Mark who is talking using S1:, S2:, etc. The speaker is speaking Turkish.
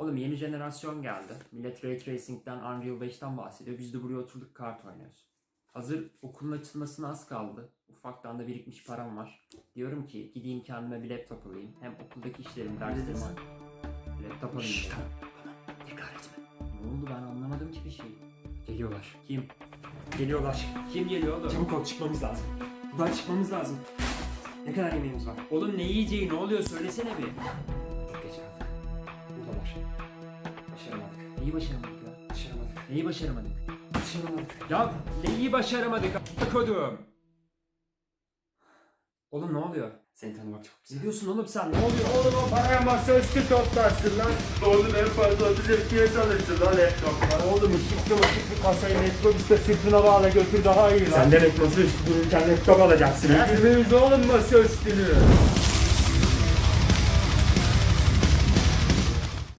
S1: Oğlum yeni jenerasyon geldi. Millet Ray Tracing'den, Unreal 5'ten bahsediyor. Biz de buraya oturduk kart oynuyoruz. Hazır okulun açılmasına az kaldı. Ufaktan da birikmiş param var. Diyorum ki gideyim kendime bir laptop alayım. Hem okuldaki işlerim, derslerim var. Laptop alayım.
S2: Şşş,
S1: dedim.
S2: tamam. Tekrar etme.
S1: Ne oldu, ben anlamadım ki bir şey.
S2: Geliyorlar.
S1: Kim?
S2: Geliyorlar.
S1: Kim geliyor oğlum?
S2: Çabuk ol, çıkmamız lazım. Buradan çıkmamız lazım. Ne kadar yemeğimiz var?
S1: Oğlum ne yiyeceği, ne oluyor söylesene bir.
S2: Çok geç kaldık. Buradalar. Başaramadık.
S1: Neyi başaramadık ya?
S2: Başaramadık.
S1: Neyi başaramadık?
S2: Başaramadık.
S1: Ya neyi başaramadık a**kodum? Oğlum ne oluyor?
S2: Seni tanımak çok güzel.
S1: Ne diyorsun oğlum sen? Ne oluyor?
S3: Oğlum o paraya masaüstü toplarsın lan. Oğlum en fazla 30 FPS alırsın lan laptopla. Oğlum ışıklı bir kasayı metrobüste sırtına bağla götür daha iyi lan.
S2: Sen demek masaüstü dururken laptop alacaksın ha?
S3: Getirmeyiz oğlum masaüstünü.